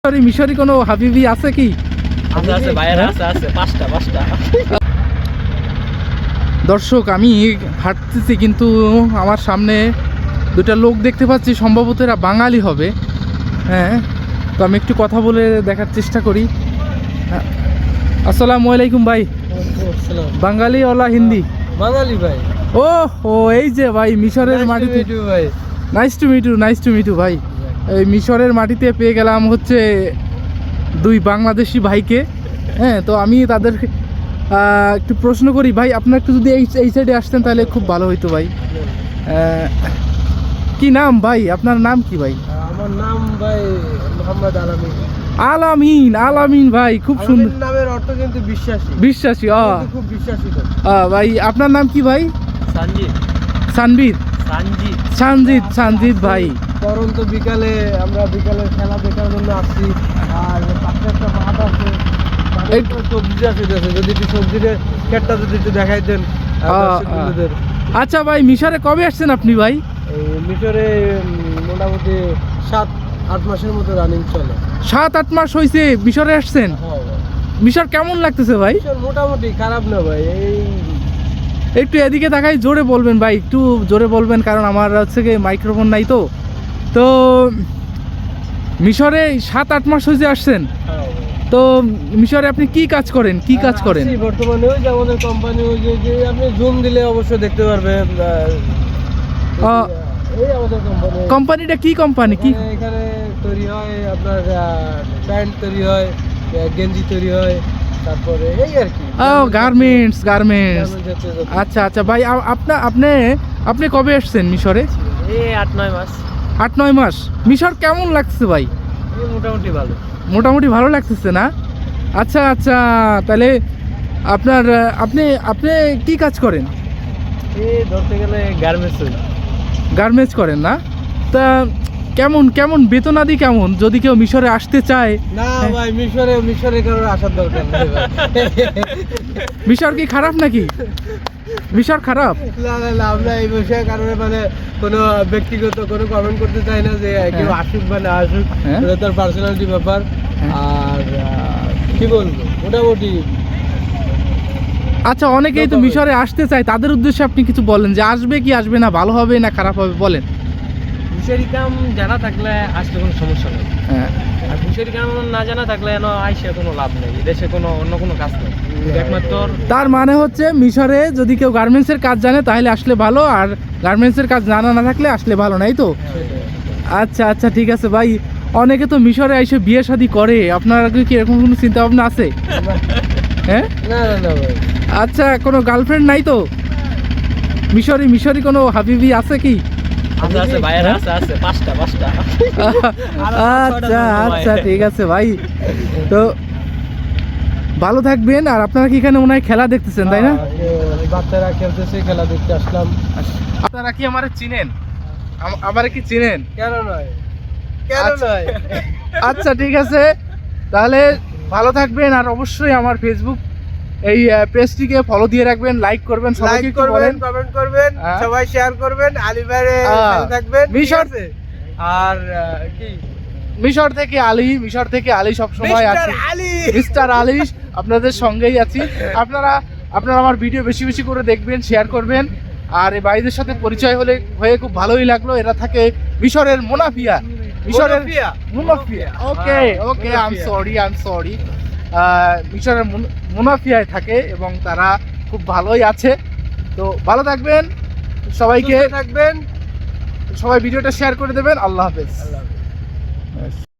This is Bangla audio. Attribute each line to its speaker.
Speaker 1: মিশরি কোনো হাবিবি আছে কি?
Speaker 2: আছে ভাইরা, আছে পাঁচটা।
Speaker 1: দর্শক, আমি হাঁটতেছি কিন্তু আমার সামনে দুটা লোক দেখতে পাচ্ছি, সম্ভবত এরা বাঙালি হবে। হ্যাঁ, তো আমি একটু কথা বলে দেখার চেষ্টা করি। আসসালামু আলাইকুম ভাই। বাঙালি ওলা হিন্দি?
Speaker 2: বাঙালি ভাই।
Speaker 1: ও এই যে ভাই মিশরের মাটিতে।
Speaker 2: ভাই
Speaker 1: নাইস টু মিট ইউ ভাই। এই মিশরের মাটিতে পেয়ে গেলাম হচ্ছে দুই বাংলাদেশি ভাইকে। হ্যাঁ, তো আমি তাদেরকে একটু প্রশ্ন করি ভাই, আপনারা একটু যদি এই সাইডে আসতেন তাহলে খুব ভালো হইতো ভাই। কি নাম ভাই, আপনার নাম কি ভাই?
Speaker 2: আমার নাম ভাই মোহাম্মদ আলামিন।
Speaker 1: আলামিন ভাই, খুব সুন্দর
Speaker 2: নামের অর্থ কিন্তু
Speaker 1: বিশ্বাসী।
Speaker 2: খুব বিশ্বাসী তো
Speaker 1: ভাই, আপনার নাম কি ভাই? সানজিদ ভাই।
Speaker 2: পরন্ত বিকালে আমরা খেলা দেখার জন্য আসছি। আর পাশে একটা মাঠ আছে, সবজি আছে, যদি একটু সবজির ক্ষেতটা যদি একটু দেখাইতেন।
Speaker 1: আচ্ছা ভাই, মিশরে কবে আসছেন আপনি ভাই?
Speaker 2: মিশরে মোটামুটি 7-8 মাসের মতো রানিং চলে।
Speaker 1: 7-8 মাস হয়েছে মিশরে আসছেন? মিশর কেমন লাগতেছে ভাই?
Speaker 2: মোটামুটি খারাপ না ভাই।
Speaker 1: একটু এদিকে তাকাই, জোরে বলবেন ভাই, একটু জোরে বলবেন, কারণ আমার হচ্ছে কি মাইক্রোফোন নাই তো। তো মিশরে 7-8 মাস হয়েছে আসছেন, তো মিশরে আপনি কি কাজ করেন?
Speaker 2: বর্তমানে ওই যে আমাদের কোম্পানি, ওই যে আপনি জুম দিলে অবশ্যই দেখতে পারবেন। এই আমাদের
Speaker 1: কোম্পানিটা কি কোম্পানি? কি
Speaker 2: এখানে তৈরি হয় আপনার প্যান্ট তৈরি হয়, গেঞ্জি তৈরি হয়, তারপরে এই আর কি
Speaker 1: গার্মেন্টস। আচ্ছা ভাই, আপনি কবে আসছেন মিশরে?
Speaker 2: 8-9 মাস।
Speaker 1: 8-9 মাস। মিশর কেমন লাগছে ভাই? মোটামুটি ভালো লাগতেছে না? আচ্ছা, তাহলে আপনি কি কাজ করেন?
Speaker 2: ধরতে গেলে
Speaker 1: গার্মেন্টস করেন না? তা কেমন বেতনাদি কেমন, যদি কেউ মিশরে আসতে চায়?
Speaker 2: না ভাই, মিশরে কারোর আসার দরকার নেই ভাই।
Speaker 1: মিশর কি খারাপ নাকি? মিশর খারাপ?
Speaker 2: না, আমরা এই বিষয়ে কারণে কোনো ব্যক্তিগত কোনো কমেন্ট করতে চাই না, যে কেউ আসুক বা না আসুক, এটা তার পার্সোনালিটি ব্যাপার। আর কি বলবো, মোটামুটি।
Speaker 1: আচ্ছা, অনেকেই তো মিশরে আসতে চায়, তাদের উদ্দেশ্যে আপনি কিছু বলেন, যে আসবে কি আসবে না, ভালো হবে না খারাপ হবে, বলেন।
Speaker 2: ফিশারি কাম জানা থাকলে আসলে কোনো সমস্যা নেই। আর ফিশারি কাম না জানা থাকলে আইসে কোনো লাভ নেই, দেশে অন্য কোনো কাজ নেই। একমাত্র
Speaker 1: তার মানে হচ্ছে মিশরে যদি কেউ গার্মেন্টসের কাজ জানে তাহলে আসলে ভালো, আর গার্মেন্টসের কাজ জানা না থাকলে আসলে ভালো নাই তো? আচ্ছা, ঠিক আছে ভাই। অনেকে তো মিশরে এসে বিয়ে শাদী করে, আপনার কি এরকম কোনো চিন্তা ভাবনা আছে? হ্যাঁ,
Speaker 2: না ভাই।
Speaker 1: আচ্ছা, কোনো গার্লফ্রেন্ড নাই তো? মিশরি কোনো হাবিবি আছে কি?
Speaker 2: আছে ভাইরা, আছে পাঁচটা।
Speaker 1: আচ্ছা, ঠিক আছে ভাই। তো ভালো থাকবেন। আর আপনারা কি এখানে মনে হয় খেলা দেখতেছেন, তাই না?
Speaker 2: বাচ্চারা খেলতেছে, খেলা দেখতে আসলাম।
Speaker 1: আপনারা কি আমারে চিনেন? আমারে কি চিনেন?
Speaker 2: কেন নয়।
Speaker 1: আচ্ছা, ঠিক আছে, তাহলে ভালো থাকবেন। আর অবশ্যই আমার ফেসবুক এই পেজটিকে ফলো দিয়ে রাখবেন, লাইক করবেন, সবাইকে বলেন,
Speaker 2: কমেন্ট করবেন, সবাই শেয়ার করবেন। আলী ভাইরে সাথে থাকবেন,
Speaker 1: মিশর।
Speaker 2: আর কি
Speaker 1: মিশর থেকে আলী সব সময় আছে। মিস্টার আলী আপনাদের সঙ্গেই আছি। আপনারা আমার ভিডিও বেশি বেশি করে দেখবেন, শেয়ার করবেন। আর এই ভাইদের সাথে পরিচয় হয়ে খুব ভালোই লাগলো। এরা থাকে মিশরের Menoufia. Okay, I am sorry. মিশরের মুনাফিয়ায় থাকে এবং তারা খুব ভালোই আছে। তো ভালো থাকবেন, সবাই ভিডিওটা শেয়ার করে দেবেন। আল্লাহ হাফেজ।